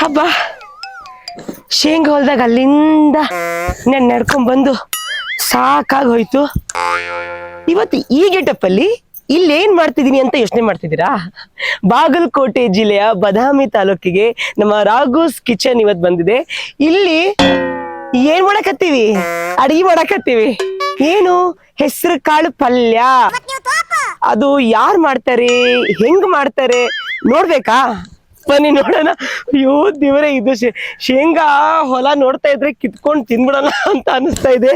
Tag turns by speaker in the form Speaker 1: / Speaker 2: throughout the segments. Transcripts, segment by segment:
Speaker 1: ಹಬ್ಬ ಶೇಂಗಾ ಹೊಲ್ದಾಗ ಅಲ್ಲಿಂದ ನಡ್ಕೊಂಡ್ ಬಂದು ಸಾಕಾಗಿ ಹೋಯ್ತು. ಇವತ್ತು ಈ ಗೆಟಪ್ಪಲ್ಲಿ ಇಲ್ಲಿ ಏನ್ ಮಾಡ್ತಿದೀನಿ ಅಂತ ಯೋಚನೆ ಮಾಡ್ತಿದ್ದೀರಾ? ಬಾಗಲಕೋಟೆ ಜಿಲ್ಲೆಯ ಬದಾಮಿ ತಾಲೂಕಿಗೆ ನಮ್ಮ ರಾಘೋಸ್ ಕಿಚನ್ ಇವತ್ ಬಂದಿದೆ. ಇಲ್ಲಿ ಏನ್ ಮಾಡಕತ್ತೀವಿ? ಅಡಿಗೆ ಮಾಡಕತ್ತೀವಿ. ಏನು? ಹೆಸರು ಕಾಳು ಪಲ್ಯ. ಅದು ಯಾರು ಮಾಡ್ತಾರೆ, ಹೆಂಗ್ ಮಾಡ್ತಾರೆ ನೋಡ್ಬೇಕಾ? ಬನ್ನಿ ನೋಡೋಣ. ಅಯ್ಯೋ ದೇವರೇ, ಇದು ಶೇಂಗಾ ಹೊಲ ನೋಡ್ತಾ ಇದ್ರೆ ಕಿತ್ಕೊಂಡು ತಿನ್ಬಿಡೋಣ ಅಂತ ಅನಿಸ್ತಾ ಇದೆ.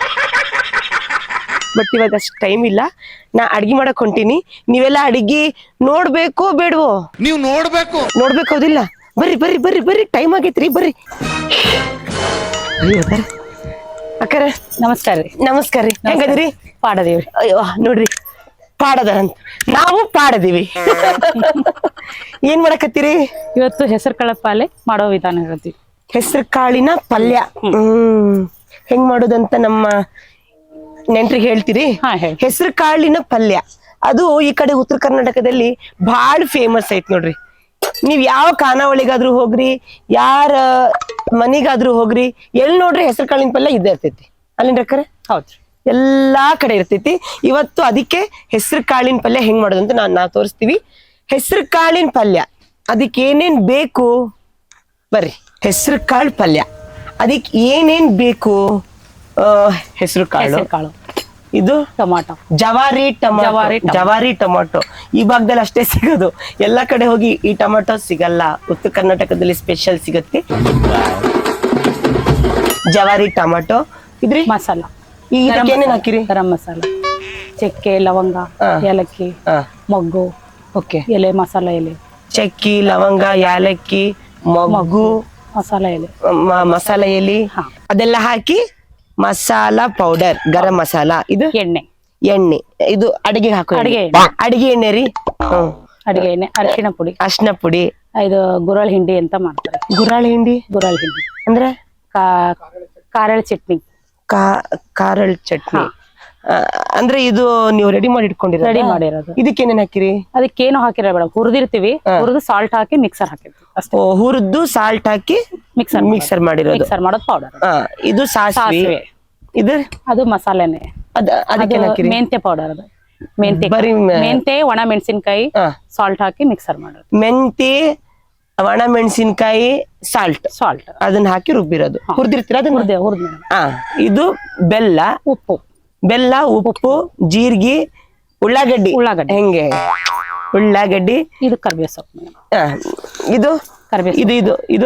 Speaker 1: ಬಟ್ ಇವಾಗ ಅಷ್ಟು ಟೈಮ್ ಇಲ್ಲ. ನಾ ಅಡ್ಗೆ ಮಾಡಕ್ ಹೊಂಟೀನಿ. ನೀವೆಲ್ಲ ಅಡಿಗೆ ನೋಡ್ಬೇಕೋ ಬೇಡವೋ?
Speaker 2: ನೀವು ನೋಡ್ಬೇಕು.
Speaker 1: ಹೌದಿಲ್ಲ? ಬರ್ರಿ ಬರ್ರಿ ಬರ್ರಿ ಬರ್ರಿ, ಟೈಮ್ ಆಗೈತ್ರಿ, ಬರ್ರಿ. ಅಕ್ಕರ
Speaker 3: ನಮಸ್ಕಾರ ರೀ.
Speaker 1: ನಮಸ್ಕಾರ ರೀ. ಹೆಂಗದಿರಿ?
Speaker 3: ಪಾಡದೇವ್ರಿ.
Speaker 1: ಅಯ್ಯೋ ನೋಡ್ರಿ, ಪಾಡದ ಅಂತ ನಾವು ಪಾಡದೀವಿ. ಏನ್ ಮಾಡಕತ್ತೀರಿ?
Speaker 3: ಇವತ್ತು ಹೆಸರು ಕಾಳು ಪಲ್ಯ ಮಾಡೋ ವಿಧಾನ ಹೇಳ್ತೀವಿ.
Speaker 1: ಹೆಸರು ಕಾಳಿನ ಪಲ್ಯ ಹೆಂಗ್ ಮಾಡೋದಂತ ನಮ್ಮ ನೆಂಟ್ರಿಗೆ ಹೇಳ್ತೀರಿ? ಹೆಸರು ಕಾಳಿನ ಪಲ್ಯ ಅದು ಈ ಕಡೆ ಉತ್ತರ ಕರ್ನಾಟಕದಲ್ಲಿ ಬಹಳ ಫೇಮಸ್ ಐತ್ ನೋಡ್ರಿ. ನೀವ್ ಯಾವ ಖಾನಾವಳಿಗಾದ್ರೂ ಹೋಗ್ರಿ, ಯಾರ ಮನಿಗಾದ್ರೂ ಹೋಗ್ರಿ, ಎಲ್ಲಿ ನೋಡ್ರಿ ಹೆಸರು ಕಾಳಿನ ಪಲ್ಯ ಇದ್ದೇ ಇರ್ತೈತಿ. ಅಲ್ಲಿಂದ
Speaker 3: ಹೌದ್ರಿ,
Speaker 1: ಎಲ್ಲಾ ಕಡೆ ಇರ್ತೈತಿ. ಇವತ್ತು ಅದಕ್ಕೆ ಹೆಸರು ಕಾಳಿನ ಪಲ್ಯ ಹೆಂಗ್ ಮಾಡೋದಂತ ನಾವು ತೋರಿಸ್ತೀವಿ. ಹೆಸರು ಕಾಳಿನ ಪಲ್ಯ ಅದಕ್ಕೆ ಏನೇನ್ ಬೇಕು ಬರ್ರಿ. ಹೆಸರು ಕಾಳು ಪಲ್ಯ ಅದಕ್ಕೆ ಏನೇನ್ ಬೇಕು? ಹೆಸರು ಕಾಳು, ಇದು
Speaker 3: ಟೊಮಾಟೊ,
Speaker 1: ಜವಾರಿ ಟೊಮಾಟೊ. ಈ ಭಾಗದಲ್ಲಿ ಅಷ್ಟೇ ಸಿಗೋದು. ಎಲ್ಲಾ ಕಡೆ ಹೋಗಿ ಈ ಟೊಮಾಟೊ ಸಿಗಲ್ಲ. ಉತ್ತರ ಕರ್ನಾಟಕದಲ್ಲಿ ಸ್ಪೆಷಲ್ ಸಿಗತ್ತೆ ಜವಾರಿ ಟೊಮಾಟೊ. ಇದ್ರಿ
Speaker 3: ಮಸಾಲ,
Speaker 1: ಏನೇನ್ ಹಾಕಿರಿ?
Speaker 3: ಗರಂ ಮಸಾಲ, ಚಕ್ಕೆ, ಲವಂಗ, ಏಲಕ್ಕಿ, ಮೊಗ್ಗು,
Speaker 1: ಓಕೆ,
Speaker 3: ಎಲೆ, ಮಸಾಲ ಎಲೆ,
Speaker 1: ಚಕ್ಕಿ, ಲವಂಗ, ಯಾಲಕ್ಕಿ, ಮೊಗ್ಗು,
Speaker 3: ಮಸಾಲ ಎಲೆ,
Speaker 1: ಮಸಾಲ ಎಲೆ ಅದೆಲ್ಲ ಹಾಕಿ ಮಸಾಲ ಪೌಡರ್, ಗರಂ ಮಸಾಲ. ಇದು ಎಣ್ಣೆ. ಇದು ಅಡಿಗೆ ಹಾಕೋ ಅಡಿಗೆ ಎಣ್ಣೆ ರೀ.
Speaker 3: ಅಡಿಗೆ ಎಣ್ಣೆ, ಅರಿಶಿಣ ಪುಡಿ, ಇದು ಗುರಳ್ ಹಿಂಡಿ ಅಂತ ಮಾಡ್ತಾರೆ.
Speaker 1: ಗುರಾಳ್ ಹಿಂಡಿ ಅಂದ್ರೆ
Speaker 3: ಕಾರಳ ಚಟ್ನಿ.
Speaker 1: ಕಾರಳ್ ಚಟ್ನಿ ಅಂದ್ರೆ ಇದು ನೀವು ರೆಡಿ ಮಾಡಿರೋದು. ಇದಕ್ಕೇನೇನ್ ಹಾಕಿರಿ?
Speaker 3: ಅದಕ್ಕೇನು ಹಾಕಿರ ಬೇಡ, ಹುರಿದಿರ್ತೀವಿ. ಹುರಿದು ಸಾಲ್ಟ್ ಹಾಕಿ ಮಿಕ್ಸರ್ ಹಾಕಿರ್ತೀವಿ ಅಷ್ಟೇ.
Speaker 1: ಹುರಿದು ಸಾಲ್ಟ್ ಹಾಕಿ ಮಿಕ್ಸರ್ ಮಾಡಿರೋದು.
Speaker 3: ಮಾಡೋದು ಪೌಡರ್.
Speaker 1: ಇದು ಸಾಸಿವೆ. ಇದು
Speaker 3: ಅದು ಮಸಾಲೆನೆ.
Speaker 1: ಅದಕ್ಕೆ
Speaker 3: ಮೆಂತ್ಯ ಪೌಡರ್. ಅದು ಮೆಂತ್ಯ, ಒಣ ಮೆಣಸಿನ್ಕಾಯಿ, ಸಾಲ್ಟ್ ಹಾಕಿ ಮಿಕ್ಸರ್ ಮಾಡೋದು.
Speaker 1: ಮೆಂತ್ಯ, ಒಣ ಮೆಣಸಿನ್ಕಾಯಿ, ಸಾಲ್ಟ್ ಅದನ್ನ ಹಾಕಿ ರುಬ್ಬಿರೋದು. ಹುರಿದಿರ್ತೀರ ಅದನ್ನ? ಇದು ಬೆಲ್ಲ, ಉಪ್ಪು, ಜೀರಿಗೆ, ಉಳ್ಳಾಗಡ್ಡಿ. ಹೆಂಗೆ? ಉಳ್ಳಾಗಡ್ಡಿ,
Speaker 3: ಇದು ಕರಿಬೇವು ಸೊಪ್ಪು,
Speaker 1: ಇದು ಇದು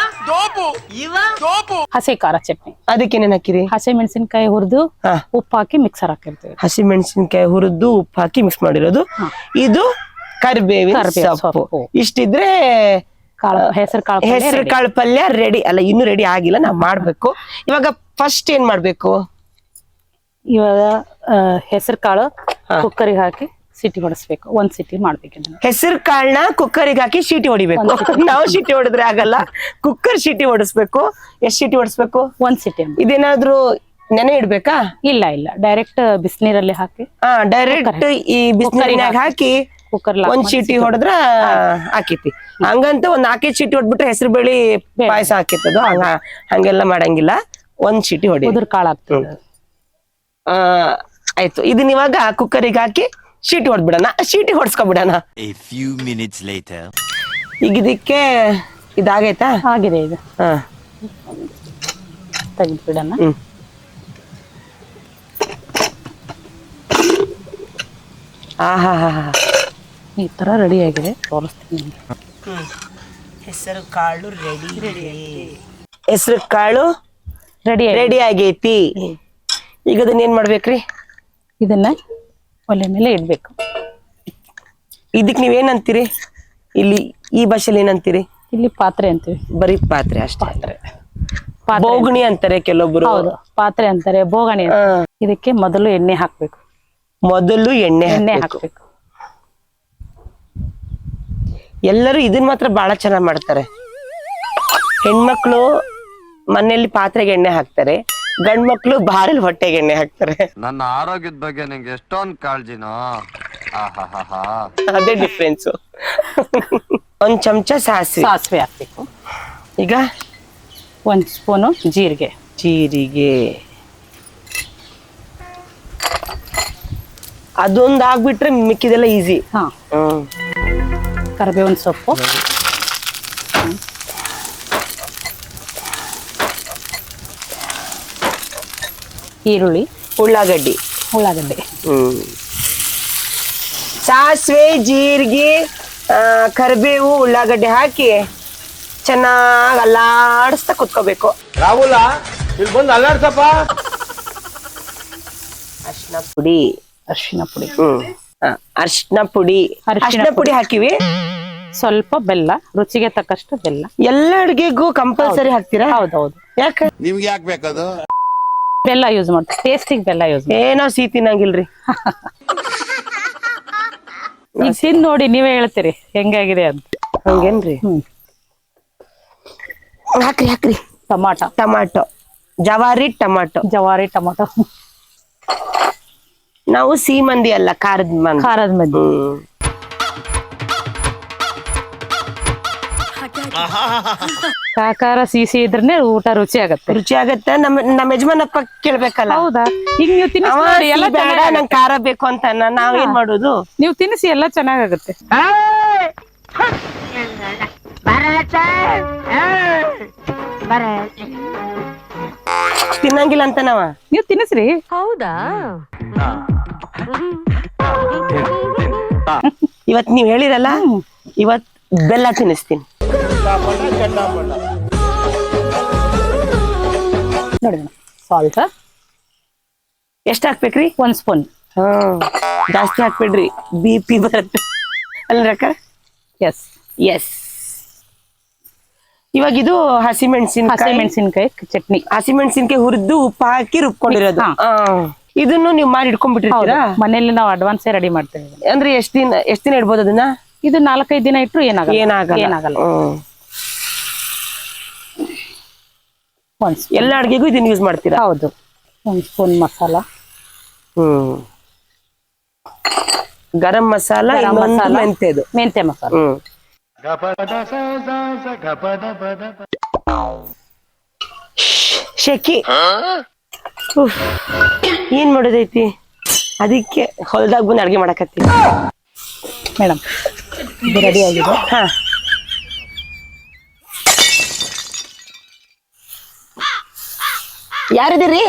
Speaker 3: ಹಸಿ ಖಾರ ಚಟ್ನಿ.
Speaker 1: ಅದಕ್ಕೇನೇನ್ ಹಾಕಿರಿ?
Speaker 3: ಹಸಿ ಮೆಣಸಿನ್ಕಾಯಿ ಹುರಿದು ಉಪ್ಪು ಹಾಕಿ ಮಿಕ್ಸರ್ ಹಾಕಿರ್ತೀವಿ.
Speaker 1: ಹಸಿ ಮೆಣಸಿನ್ಕಾಯಿ ಹುರಿದು ಉಪ್ಪು ಹಾಕಿ ಮಿಕ್ಸ್ ಮಾಡಿರೋದು. ಇದು ಕರಿಬೇವಿನ ಸೊಪ್ಪು. ಇಷ್ಟಿದ್ರೆ ಹೆಸರು ಕಾಳು ಪಲ್ಯ ರೆಡಿ. ಅಲ್ಲ, ಇನ್ನು ರೆಡಿ ಆಗಿಲ್ಲ, ನಾವ್ ಮಾಡ್ಬೇಕು. ಇವಾಗ ಫಸ್ಟ್ ಏನ್ ಮಾಡ್ಬೇಕು?
Speaker 3: ಇವಾಗ ಹೆಸರು ಕಾಳು ಕುಕ್ಕರಿಗೆ ಹಾಕಿ ಸಿಟಿ ಹೊಡಿಸ್ಬೇಕು. 1 ಸಿಟಿ ಮಾಡ್ಬೇಕು.
Speaker 1: ಹೆಸರು ಕಾಳನ್ನ ಕುಕ್ಕರಿಗೆ ಹಾಕಿ ಶೀಟಿ ಹೊಡಿಬೇಕು. ನಾವು ಶೀಟಿ ಹೊಡೆದ್ರೆ ಆಗಲ್ಲ, ಕುಕ್ಕರ್ ಶೀಟಿ ಹೊಡಿಸ್ಬೇಕು. ಎಷ್ಟ್ ಶೀಟಿ ಹೊಡಿಸ್ಬೇಕು?
Speaker 3: 1 ಸಿಟಿ.
Speaker 1: ಇದೇನಾದ್ರೂ ನೆನೆ ಇಡ್ಬೇಕಾ?
Speaker 3: ಇಲ್ಲ, ಡೈರೆಕ್ಟ್ ಬಿಸಿನೀರಲ್ಲಿ ಹಾಕಿ
Speaker 1: ಡೈರೆಕ್ಟ್ ಈ ಬಿಸಿನೀರಿನಾಗ ಹಾಕಿ ಕುಕ್ಕರ್ 1 ಚೀಟಿ ಹೊಡೆದ್ರ ಹಾಕಿತಿ. ಹಂಗಂತ 4 ಚೀಟಿ ಹೊಡ್ಬಿಟ್ರೆ ಹೆಸರು ಬೇಳಿ ಪಾಯಸ ಹಾಕಿತ್ತದು. ಹಂಗೆಲ್ಲ ಮಾಡಂಗಿಲ್ಲ. 1 ಚೀಟಿ ಹೊಡಿ.
Speaker 3: ಕಾಳು ಹಾಕ್ತದೆ.
Speaker 1: ಆಯ್ತು, ಇದನ್ನ ಇವಾಗ ಕುಕ್ಕರಿಗೆ ಹಾಕಿ ಶೀಟಿ ಹೊಡ್ಬಿಡಣ. ಶೀಟಿ ಹೊಡ್ಸ್ಕೊಬಿಡಣ. ಈಗ ಇದಕ್ಕೆ ಇದಾಗೈತಾ?
Speaker 3: ಆಗಿದೆ. ಇದು ತೆಗೆದ್ಬಿಡಣ. ಈ ತರ ರೆಡಿ ಆಗಿದೆ, ತೋರಿಸ್ತೀನಿ.
Speaker 1: ಹೆಸರು ಕಾಳು ರೆಡಿ ಆಗೈತಿ. ಈಗ ಅದನ್ನ ಏನ್ ಮಾಡ್ಬೇಕ್ರಿ?
Speaker 3: ಇದನ್ನ ಒಲೆ ಮೇಲೆ ಇಡ್ಬೇಕು.
Speaker 1: ಇದಕ್ ನೀವೇನಂತೀರಿ? ಇಲ್ಲಿ ಈ ಭಾಷೆಲಿ ಏನಂತೀರಿ?
Speaker 3: ಇಲ್ಲಿ ಪಾತ್ರೆ ಅಂತೀವಿ.
Speaker 1: ಬರೀ ಪಾತ್ರೆ ಅಷ್ಟೇ. ಬೋಗಣಿ ಅಂತಾರೆ ಕೆಲವೊಬ್ರು.
Speaker 3: ಹೌದು, ಪಾತ್ರೆ ಅಂತಾರೆ, ಬೋಗಣಿ. ಇದಕ್ಕೆ ಮೊದಲು ಎಣ್ಣೆ ಹಾಕ್ಬೇಕು. ಎಣ್ಣೆ ಹಾಕ್ಬೇಕು.
Speaker 1: ಎಲ್ಲರೂ ಇದನ್ ಮಾತ್ರ ಬಹಳ ಚೆನ್ನಾಗ್ ಮಾಡ್ತಾರೆ. ಹೆಣ್ಮಕ್ಳು ಮನೆಯಲ್ಲಿ ಪಾತ್ರೆಗೆ ಎಣ್ಣೆ ಹಾಕ್ತಾರೆ, ಗಂಡ್ ಮಕ್ಳು ಬಾರಲ್ಲಿ ಹೊಟ್ಟೆಗೆ ಎಣ್ಣೆ ಹಾಕ್ತಾರೆ.
Speaker 2: ನನ್ನ ಆರೋಗ್ಯದ ಬಗ್ಗೆ ನಿಂಗೆ ಎಷ್ಟೊಂದು ಕಾಳಜಿನೋ.
Speaker 1: ಅದೇ ಡಿಫ್ರೆನ್ಸ್. 1 ಚಮಚ ಸಾಸಿವೆ
Speaker 3: ಹಾಕ್ಬೇಕು.
Speaker 1: ಈಗ
Speaker 3: 1 ಸ್ಪೂನು ಜೀರಿಗೆ.
Speaker 1: ಅದೊಂದು ಆಗ್ಬಿಟ್ರೆ ಮಿಕ್ಕಿದೆಲ್ಲ ಈಸಿ.
Speaker 3: ಹಾ, ಕರಿಬೇವಿನ ಸೊಪ್ಪು, ಈರುಳ್ಳಿ,
Speaker 1: ಉಳ್ಳಾಗಡ್ಡಿ. ಸಾಸಿವೆ, ಜೀರಿಗೆ, ಕರಿಬೇವು, ಉಳ್ಳಾಗಡ್ಡಿ ಹಾಕಿ ಚೆನ್ನಾಗಿ ಅಲ್ಲಾಡಿಸ್ತಾ ಕುತ್ಕೋಬೇಕು.
Speaker 2: ರಾಹುಲ ಇಲ್ಲಿ ಬಂದು ಅಲ್ಲಾಡ್ಸಪ್ಪ.
Speaker 1: ಅರ್ಶಿನ ಪುಡಿ. ಅರ್ಶಿನ ಪುಡಿ ಹಾಕಿವಿ.
Speaker 3: ಸ್ವಲ್ಪ ಬೆಲ್ಲ, ರುಚಿಗೆ ತಕ್ಕಷ್ಟು ಬೆಲ್ಲ.
Speaker 1: ಎಲ್ಲ ಅಡ್ಗೆಗೂ ಕಂಪಲ್ಸರಿ ಹಾಕ್ತೀರಾ?
Speaker 3: ಹೌದೌದು.
Speaker 1: ಯಾಕೆ?
Speaker 2: ನಿಮ್ಗೆ ಯಾಕೆ ಬೇಕದು?
Speaker 3: ಬೆಲ್ಲ ಯೂಸ್ ಮಾಡ್ತೀವಿ, ಟೇಸ್ಟಿಗೆ ಬೆಲ್ಲ ಯೂಸ್ ಮಾಡ್ತೀವಿ.
Speaker 1: ಏನೋ ಸಿಹಿ ತಿನ್ನಂಗಿಲ್ರಿ.
Speaker 3: ಈಗ ತಿಂದು ನೋಡಿ ನೀವೇ ಹೇಳ್ತೀರಿ ಹೆಂಗಾಗಿದೆ ಅಂತ.
Speaker 1: ಹಂಗೇನ್ರಿ? ಹಾಕ್ರಿ. ಟಮಾಟೊ, ಜವಾರಿ ಟಮಾಟೊ. ನಾವು ಸಿಹಿ ಮಂದಿ ಅಲ್ಲ, ಖಾರದ ಮಂದಿ.
Speaker 3: ಕಾಕಾರ ಸಿಹಿ ಇದ್ರೆ ಊಟ ರುಚಿ ಆಗತ್ತೆ.
Speaker 1: ನಮ್ಮ ಯಜಮಾನಪ್ಪ ಕೇಳ್ಬೇಕಲ್ಲ.
Speaker 3: ಹೌದಾ? ಈಗ ನೀವು ತಿನ್ನಿಸಿ ಎಲ್ಲ
Speaker 1: ಬೇಡ, ನಂಗೆ ಖಾರ ಬೇಕು ಅಂತ ನಾವೇನ್ ಮಾಡೋದು?
Speaker 3: ನೀವು ತಿನ್ನಿಸಿ ಎಲ್ಲ ಚೆನ್ನಾಗತ್ತೆ.
Speaker 1: ತಿನ್ನಂಗಿಲ್ಲ ಅಂತ
Speaker 3: ನೀವು ತಿನ್ನಿಸ್ರಿ.
Speaker 4: ಹೌದಾ?
Speaker 1: ಇವತ್ ನೀವ್ ಹೇಳಿರಲ್ಲ, ಇವತ್ ಬೆಲ್ಲ ತಿನ್ನಿಸ್ತೀನಿ.
Speaker 3: ನೋಡಿ ಸಾಲ್ಟ್
Speaker 1: ಎಷ್ಟ್ ಹಾಕ್ಬೇಕ್ರಿ?
Speaker 3: 1 ಸ್ಪೂನ್.
Speaker 1: ಜಾಸ್ತಿ ಹಾಕ್ಬೇಡ್ರಿ, BP ಬರುತ್ತೆ ಅಲ್ರಕ್ಕ? ಎಸ್. ಇವಾಗ ಇದು
Speaker 3: ಹಸಿಮೆಣಸಿನಕಾಯಿ ಚಟ್ನಿ.
Speaker 1: ಹಸಿಮೆಣಸಿನಕಾಯಿ ಹುರಿದು ಉಪ್ಪು ಹಾಕಿ ರುಬ್ಕೊಂಡಿರೋದು. ಇದನ್ನು ನೀವು ಮಾಡಿ ಇಟ್ಕೊಂಡ್ಬಿಟ್ಟಿರ್ತೀರಾ?
Speaker 3: ಮನೇಲಿ ನಾವು ಅಡ್ವಾನ್ಸ್ ರೆಡಿ ಮಾಡ್ತೇವೆ.
Speaker 1: ಅಂದ್ರೆ ಎಷ್ಟ್ ದಿನ ಇಡ್ಬೋದು ಅದನ್ನ?
Speaker 3: ಇದು 4-5 ದಿನ ಇಟ್ರು ಏನಾಗಲ್ಲ.
Speaker 1: ಎಲ್ಲ ಅಡ್ಗೆಗೂ ಇದನ್ನ ಯೂಸ್ ಮಾಡ್ತೀರಾ?
Speaker 3: ಹೌದು. 1 ಸ್ಪೂನ್ ಮಸಾಲ,
Speaker 1: ಗರಂ ಮಸಾಲ, ಮೆಂತೆ ಮಸಾಲ. ಶೆಕಿ ಏನ್ ಮಾಡೋದೈತಿ? ಅದಕ್ಕೆ ಹೊಲದಾಗ ಬಂದು ಅಡ್ಗೆ ಮಾಡಕತ್ತಿ
Speaker 3: ಮೇಡಮ್. ಇದು ರೆಡಿ ಆಗಿದೆ.
Speaker 1: ಯಾರಿದ್ದೀರಿ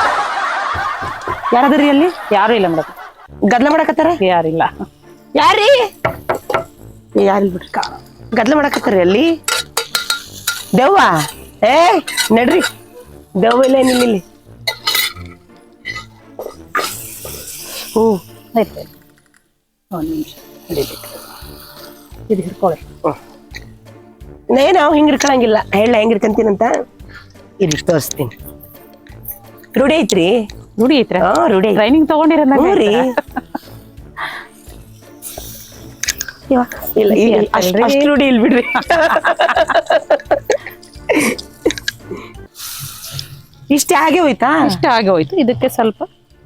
Speaker 1: ಅಲ್ಲಿ?
Speaker 3: ಯಾರು ಇಲ್ಲ ಮೇಡಮ್.
Speaker 1: ಗದ್ಲ ಮಾಡಕತ್ತಾರ?
Speaker 3: ಯಾರಿಲ್ಲ.
Speaker 1: ಯಾರಿಲ್ಲ ಬಿಡ್ರಿ. ಗದ್ಲ ಮಾಡಕತ್ತಾರ ಅಲ್ಲಿ. ದೆವ್ವ? ನಡ್ರಿ, ದೆವ್ವ ಇಲ್ಲ, ಏನಿಲ್ಲ ಇಲ್ಲಿ.
Speaker 3: ಆಯ್ತು, 1 ನಿಮಿಷ ಇದು ಹಿಡ್ಕೊಳ್ಳಿ.
Speaker 1: ನಾವು ಹಿಂಗ್ ಹಿಡ್ಕೊಳಂಗಿಲ್ಲ. ಹೇಳ ಹೆಂಗ್ ಹಿಡ್ಕಂತೀನಂತ ಇಲ್ಲಿ ತೋರಿಸ್ತೀನಿ. ರೂಢಿ ಐತ್ರಿ?
Speaker 3: ರೂಢಿ ಐತ್ರ?
Speaker 1: ರೂಢಿ.
Speaker 3: ಟ್ರೈನಿಂಗ್ ತಗೊಂಡಿರ?
Speaker 1: ಇಲ್ಲ, ಅಷ್ಟು ರೂಢಿ ಇಲ್ ಬಿಡ್ರಿ. ಇಷ್ಟ ಆಗಿ ಹೋಯ್ತು.
Speaker 3: ಇದಕ್ಕೆ ಸ್ವಲ್ಪ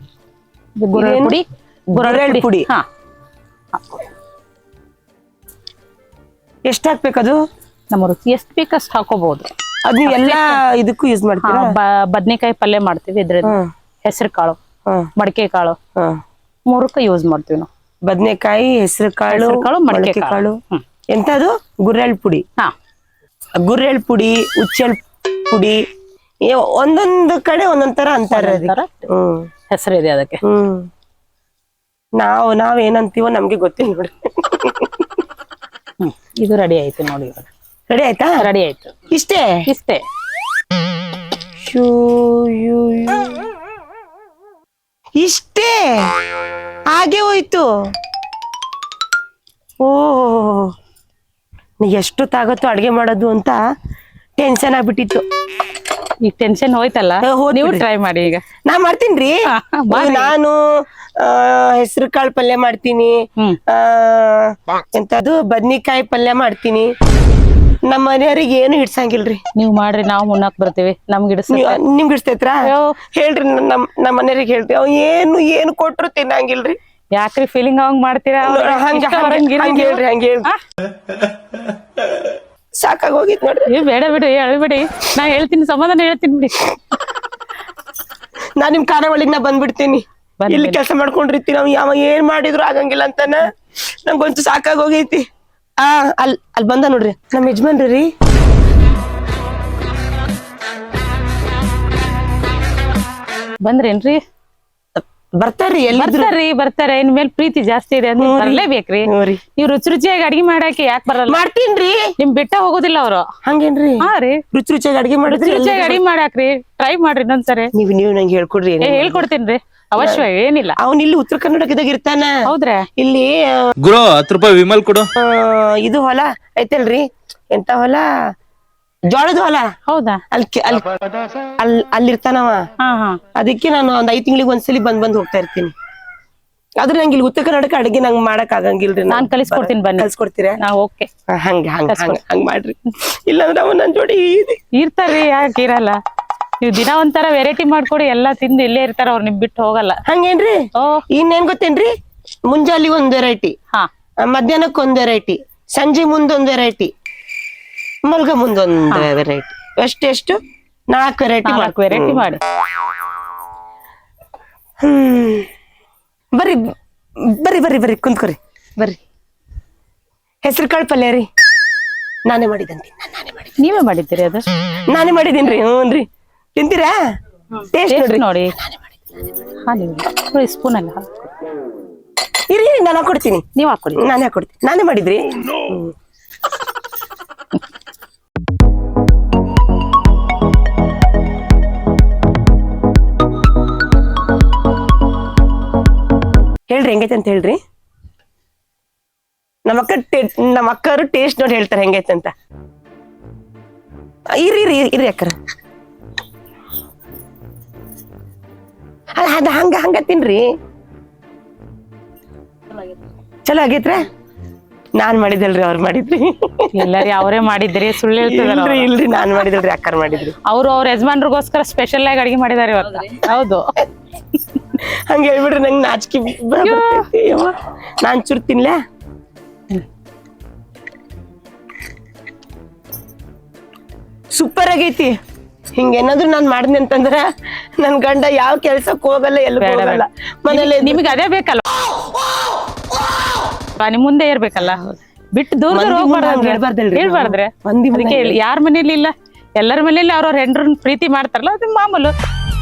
Speaker 3: ಗುರೆಳ್ಳು ಪುಡಿ.
Speaker 1: ಎಷ್ಟು ಹಾಕ್ಬೇಕದು?
Speaker 3: ನಮ್ಮ ರುಚಿ ಎಷ್ಟು ಬೇಕಷ್ಟು ಹಾಕೋಬಹುದು.
Speaker 1: ಅದ್ ನೀವು ಎಲ್ಲಾ ಇದಕ್ಕೂ ಯೂಸ್ ಮಾಡ್ತೀರಾ?
Speaker 3: ಬದ್ನೆಕಾಯಿ ಪಲ್ಯ ಮಾಡ್ತೀವಿ, ಇದ್ರಿಂದ ಹೆಸರು ಕಾಳು, ಮಡಕೆ ಕಾಳು, 3ಕ್ಕೆ ಯೂಸ್ ಮಾಡ್ತೀವಿ ನಾವು.
Speaker 1: ಬದ್ನೆಕಾಯಿ, ಹೆಸರು ಕಾಳು, ಮಡಕೆ ಕಾಳು. ಎಂತದು? ಗುರೆಳ್ಳು ಪುಡಿ. ಗುರೆಳ್ಳು ಪುಡಿ, ಉಚ್ಚೆಳ್ ಪುಡಿ, ಒಂದೊಂದು ಕಡೆ ಒಂದೊಂದ್ ತರ ಅಂತಾರ.
Speaker 3: ಹೆಸರಿದೆ ಅದಕ್ಕೆ.
Speaker 1: ನಾವೇನಂತೀವೋ ನಮ್ಗೆ ಗೊತ್ತಿಲ್ಲ ನೋಡಿ.
Speaker 3: ಇದು ರೆಡಿ ಆಯ್ತು ನೋಡಿ.
Speaker 1: ರೆಡಿ ಆಯ್ತಾ?
Speaker 3: ರೆಡಿ ಆಯ್ತು.
Speaker 1: ಇಷ್ಟೇ? ಇಷ್ಟೇ ಹಾಗೆ ಹೋಯ್ತು. ಎಷ್ಟು ತಾಗತ್ತು ಅಡ್ಗೆ ಮಾಡೋದು ಅಂತ ಟೆನ್ಷನ್ ಆಗ್ಬಿಟ್ಟಿತ್ತು.
Speaker 3: ಈಗ ಟೆನ್ಷನ್ ಹೋಯ್ತಲ್ಲ, ನೀವು ಟ್ರೈ ಮಾಡಿ. ಈಗ
Speaker 1: ನಾ ಮಾಡ್ತೀನ್ರಿ. ನಾನು ಹೆಸರು ಕಾಳು ಪಲ್ಯ ಮಾಡ್ತೀನಿ, ಎಂತದು ಬದ್ನಿಕಾಯಿ ಪಲ್ಯ ಮಾಡ್ತೀನಿ. ನಮ್ಮ ಮನೆಯವ್ರಿಗೆ ಏನು ಹಿಡ್ಸಂಗಿಲ್ರಿ.
Speaker 3: ನೀವ್ ಮಾಡ್ರಿ, ನಾವು ಮುನ್ನಕ್ ಬರ್ತೀವಿ. ನಿಮ್ಗೆ
Speaker 1: ಹಿಡ್ಸ್ತೈತ್ರ? ಹೇಳ್ರಿ, ನಮ್ಮ ಮನೆಯವ್ರಿಗೆ ಹೇಳ್ರಿ. ಏನು ಕೊಟ್ರು ತಿನ್ನಂಗಿಲ್ರಿ.
Speaker 3: ಯಾಕ್ರಿ ಫೀಲಿಂಗ್ ಹಂಗ್ ಮಾಡ್ತೀರಾ?
Speaker 1: ಹಂಗ ಹೇಳ್ರಿ. ಸಾಕ ಸಾಕಾಗಿ ಹೋಗಿತ್ ನೋಡ್ರಿ.
Speaker 3: ಏ ಬೇಡ ಬಿಡಿ ಹೇಳ್ಬೇಡಿ, ನಾ ಹೇಳ್ತೀನಿ, ಸಮಾಧಾನ ಹೇಳ್ತೀನಿ ಬಿಡಿ.
Speaker 1: ನಾ ನಿಮ್ ಖಾನಾವಳಿಗ್ ನಾ ಬಂದ್ಬಿಡ್ತೀನಿ.
Speaker 3: ಬನ್ನಿ,
Speaker 1: ಇಲ್ಲಿ
Speaker 3: ಬನ್ನಿ.
Speaker 1: ಕೆಲಸ ಮಾಡ್ಕೊಂಡಿರ್ತೀನಿ, ನಾವ್ ಯಾವ ಏನ್ ಮಾಡಿದ್ರು ಆಗಂಗಿಲ್ಲ ಅಂತಾನ ನಂಗೊಂಚು ಸಾಕಾಗಿ ಹೋಗೈತಿ. ಅಲ್ಲಿ ಬಂದ ನೋಡ್ರಿ ನಮ್ ಯಜಮಾನ್ರಿ.
Speaker 3: ಬಂದ್ರೇನ್ರಿ?
Speaker 1: ಬರ್ತಾರ್ರಿ, ಎಲ್ಲಿದ್ರು
Speaker 3: ಬರ್ತಾರೆ. ಇನ್ ಮೇಲೆ ಪ್ರೀತಿ ಜಾಸ್ತಿ ಇದೆ ಅಂದ್ರೆ ಬರ್ಲೇಬೇಕ್ರಿ. ನೀವ್ ರುಚಿ ರುಚಿಯಾಗಿ ಅಡಿಗೆ ಮಾಡಾಕೆ ಯಾಕೆ ಬರಲ್ಲ?
Speaker 1: ಮಾಡ್ತೀನ್ರಿ.
Speaker 3: ನಿಮ್ ಬಿಟ್ಟ ಹೋಗೋದಿಲ್ಲ ಅವ್ರು.
Speaker 1: ಹಂಗೇನ್ರಿ?
Speaker 3: ಹಾ ರೀ,
Speaker 1: ರುಚಿ ರುಚಿಯಾಗಿ ಅಡಿಗೆ ಮಾಡಿದ್ರಿ.
Speaker 3: ರುಚಿಯಾಗಿ ಅಡಿಗೆ ಮಾಡಾಕ್ರಿ, ಟ್ರೈ ಮಾಡ್ರಿ ಇನ್ನೊಂದ್ಸರಿ.
Speaker 1: ನೀವು ನಂಗೆ ಹೇಳ್ಕೊಡ್ರಿ.
Speaker 3: ಹೇಳ್ಕೊಡ್ತೀನ್ರಿ, ಅವಶ್ಯ ಏನಿಲ್ಲ.
Speaker 1: ಅವ್ನ್ ಇಲ್ಲಿ ಉತ್ತರ ಕರ್ನಾಟಕದಾಗ ಇರ್ತಾನ.
Speaker 3: ಹೌದ್ರಾ?
Speaker 1: ಇಲ್ಲಿ
Speaker 2: ಗುರು 10 ರೂಪಾಯಿ ವಿಮಲ್ ಕೊಡು.
Speaker 1: ಇದು ಹೊಲ ಐತಲ್ರಿ, ಎಂತ ಹೊಲ, ಜೋಳದ ಹೊಲ.
Speaker 3: ಹೌದಾ?
Speaker 1: ಅಲ್ಲಿರ್ತಾನವ. ಅದಕ್ಕೆ ನಾನು ಒಂದ್ 5 ತಿಂಗಳಿಗೆ ಒಂದ್ಸಲಿ ಬಂದ್ ಹೋಗ್ತಾ ಇರ್ತೀನಿ. ಆದ್ರೆ ನಂಗೆ ಇಲ್ಲಿ ಉತ್ತರ ಕರ್ನಾಟಕ ಅಡಿಗೆ ನಂಗೆ ಮಾಡಕ್ ಆಗಂಗಿಲ್ರಿ.
Speaker 3: ನಾನ್ ಕಲಿಸ್ಕೊಡ್ತೀನಿ, ಬನ್ನಿ.
Speaker 1: ಕಲ್ಸ್ಕೊಡ್ತೀರಾ?
Speaker 3: ಓಕೆ,
Speaker 1: ಹಂಗ್ ಮಾಡ್ರಿ. ಇಲ್ಲಾಂದ್ರೆ ಅವ ನನ್ ಜೋಡಿ
Speaker 3: ಇರ್ತಾರ್ರಿ, ಯಾಕೆ ಇರಲ್ಲ? ನೀವ್ ದಿನ ಒಂಥರ ವೆರೈಟಿ ಮಾಡ್ಕೊಡಿ, ಎಲ್ಲಾ ತಿಂದು ಇಲ್ಲೇ ಇರ್ತಾರ ಅವ್ರು, ನಿಮ್ ಬಿಟ್ಟು ಹೋಗಲ್ಲ.
Speaker 1: ಹಂಗೇನ್ರಿ? ಇನ್ನೇನ್ ಗೊತ್ತೇನ್ರಿ, ಮುಂಜಾಲಿ ಒಂದ್ ವೆರೈಟಿ, ಮಧ್ಯಾಹ್ನಕ್ ಒಂದ್ ವೆರೈಟಿ, ಸಂಜೆ ಮುಂದೊಂದ್ ವೆರೈಟಿ, ಮಲ್ಗ ಮುಂದೊಂದ್ ವೆರೈಟಿ. ಎಷ್ಟು 4 ವೆರೈಟಿ
Speaker 3: ಮಾಡಿ.
Speaker 1: ಬರ್ರಿ ಬರ್ರಿ ಬರ್ರಿ ಬರ್ರಿ ಕುಂತ್ಕೊರಿ, ಬರ್ರಿ. ಹೆಸರು ಕಾಳು ಪಲ್ಯ ರೀ, ನಾನೇ ಮಾಡಿದಂತೀನಿ.
Speaker 3: ನೀವೇ ಮಾಡಿದ್ದೀರಿ? ಅದು
Speaker 1: ನಾನೇ ಮಾಡಿದೀನ್ರಿ. ಹ್ಞೂನ್ರಿ, ತಿಂತೀರಾ? ಟೇಸ್ಟ್
Speaker 3: ನೋಡಿ. ಸ್ಪೂನ್ ಅಲ್ಲ,
Speaker 1: ಇರಿ ನಾನು ಹಾಕೊಡ್ತೀನಿ.
Speaker 3: ನೀವ್ ಹಾಕೊಡಿ.
Speaker 1: ನಾನೇ ಹಾಕೊಡ್ತೀನಿ, ನಾನೇ ಮಾಡಿದ್ರಿ. ಹೇಳ್ರಿ ಹೆಂಗೈತೆ ಅಂತ ಹೇಳ್ರಿ. ನಮ್ಮ ಅಕ್ಕರು ಟೇಸ್ಟ್ ನೋಡಿ ಹೇಳ್ತಾರೆ ಹೆಂಗೈತೆ ಅಂತ. ಇರಿ ಅಕ್ಕರ. ಅದ ಹಂಗ ತಿನ್ರಿ. ಚಲೋ ಆಗೈತ್ರ? ನಾನ್ ಮಾಡಿದಲ್ರಿ, ಅವ್ರು ಮಾಡಿದ್ರಿ.
Speaker 3: ಎಲ್ಲಾರಿ ಅವರೇ ಮಾಡಿದ್ರಿ, ಸುಳ್ಳು ಹೇಳ್ತಿದಾರ.
Speaker 1: ಇಲ್ರಿ, ನಾನ್ ಮಾಡಿದಲ್ರಿ, ಅಕ್ಕರ್ ಮಾಡಿದ್ರಿ.
Speaker 3: ಅವ್ರ ಯಜಮಾನ್ರಿಗೋಸ್ಕರ ಸ್ಪೆಷಲ್ ಆಗಿ ಅಡಿಗೆ ಮಾಡಿದಾರೆ ಇವತ್ತು. ಹೌದು,
Speaker 1: ಹಂಗ ಹೇಳ್ಬಿಡ್ರಿ, ನಂಗೆ ನಾಚಿಕೆ. ನಾನ್ ಚೂರ್ ತಿನ್ಲ. ಸೂಪರ್ ಆಗೈತಿ. ಹಿಂಗೇನಾದ್ರು ನಾನ್ ಮಾಡಿದ್ನಿ ಅಂತಂದ್ರ ನನ್ ಗಂಡ ಯಾವ ಕೆಲ್ಸಕ್ ಹೋಗಲ್ಲ, ಎಲ್ಲ ಹೋಗಲ್ಲ, ಮನೇಲಿ.
Speaker 3: ನಿಮ್ಗೆ ಅದೇ ಬೇಕಲ್ಲ, ನಿಮ್ ಮುಂದೆ ಇರ್ಬೇಕಲ್ಲ, ಬಿಟ್ಟು ದೂರ ಹೇಳ್ಬಾರ್ದ್ರೆ. ಅದಕ್ಕೆ ಯಾರ ಮನೇಲಿ ಇಲ್ಲ, ಎಲ್ಲರ ಮನೇಲಿ ಅವ್ರವ್ರ ಹೆಂಡ್ರನ್ ಪ್ರೀತಿ ಮಾಡ್ತಾರಲ್ಲ, ಅದು ಮಾಮೂಲು.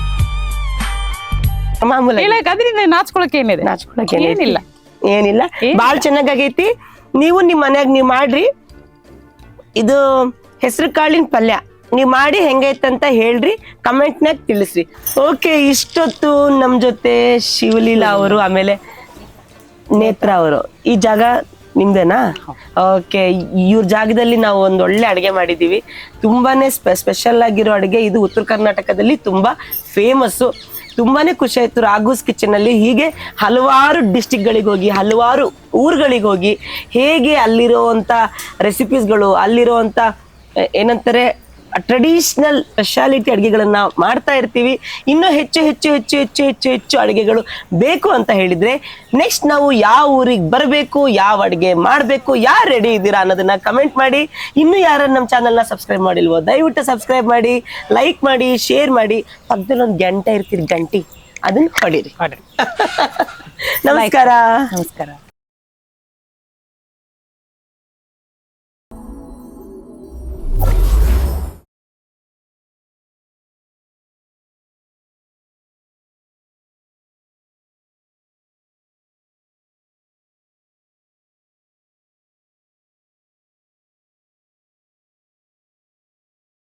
Speaker 3: ಅದ್ರಿಂದ ನಾಚ್ಕೊಳಕ್ ಏನಿದೆ?
Speaker 1: ಏನಿಲ್ಲ. ಬಾಳ್ ಚೆನ್ನಾಗೈತಿ. ನೀವು ನಿಮ್ ಮನ್ಯಾಗ ನೀವ್ ಮಾಡ್ರಿ. ಇದು ಹೆಸರು ಕಾಳಿನ ಪಲ್ಯ ನೀವ್ ಮಾಡಿ ಹೆಂಗೈತಂತ ಹೇಳ್ರಿ, ಕಮೆಂಟ್ನಾಗ ತಿಳಿಸ್ರಿ. ಓಕೆ, ಇಷ್ಟೊತ್ತು ನಮ್ ಜೊತೆ ಶಿವಲೀಲಾ ಅವರು, ಆಮೇಲೆ ನೇತ್ರ ಅವರು. ಈ ಜಾಗ ನಿಮ್ದೇನಾ? ಓಕೆ, ಇವ್ರ ಜಾಗದಲ್ಲಿ ನಾವು ಒಂದ್ ಒಳ್ಳೆ ಅಡುಗೆ ಮಾಡಿದೀವಿ. ತುಂಬಾನೇ ಸ್ಪೆಷಲ್ ಆಗಿರೋ ಅಡುಗೆ ಇದು. ಉತ್ತರ ಕರ್ನಾಟಕದಲ್ಲಿ ತುಂಬಾ ಫೇಮಸ್ಸು. ತುಂಬಾನೇ ಖುಷಿ ಆಯ್ತು ರಾಘೂಸ್ ಕಿಚನ್ ಅಲ್ಲಿ. ಹೀಗೆ ಹಲವಾರು ಡಿಸ್ಟಿಕ್ಗಳಿಗೆ ಹೋಗಿ, ಹಲವಾರು ಊರುಗಳಿಗೆ ಹೋಗಿ, ಹೇಗೆ ಅಲ್ಲಿರುವಂತ ರೆಸಿಪೀಸ್ಗಳು, ಅಲ್ಲಿರುವಂತ ಏನಂತಾರೆ ಟ್ರೆಡಿಷನಲ್ ಸ್ಪೆಷಾಲಿಟಿ ಅಡುಗೆಗಳನ್ನ ಮಾಡ್ತಾ ಇರ್ತೀವಿ. ಇನ್ನೂ ಹೆಚ್ಚು ಹೆಚ್ಚು ಹೆಚ್ಚು ಹೆಚ್ಚು ಹೆಚ್ಚು ಹೆಚ್ಚು ಅಡುಗೆಗಳು ಬೇಕು ಅಂತ ಹೇಳಿದ್ರೆ ನೆಕ್ಸ್ಟ್ ನಾವು ಯಾವ ಊರಿಗೆ ಬರಬೇಕು, ಯಾವ ಅಡುಗೆ ಮಾಡಬೇಕು, ಯಾರು ರೆಡಿ ಇದ್ದೀರಾ ಅನ್ನೋದನ್ನ ಕಮೆಂಟ್ ಮಾಡಿ. ಇನ್ನೂ ಯಾರು ನಮ್ಮ ಚಾನಲ್ನ ಸಬ್ಸ್ಕ್ರೈಬ್ ಮಾಡಿಲ್ವೋ ದಯವಿಟ್ಟು ಸಬ್ಸ್ಕ್ರೈಬ್ ಮಾಡಿ, ಲೈಕ್ ಮಾಡಿ, ಶೇರ್ ಮಾಡಿ. ಪಕ್ಕದಲ್ಲಿ ಒಂದು ಗಂಟೆ ಇರ್ತೀರಿ, ಗಂಟಿ, ಅದನ್ನ ಹೊಡೀರಿ. ನಮಸ್ಕಾರ.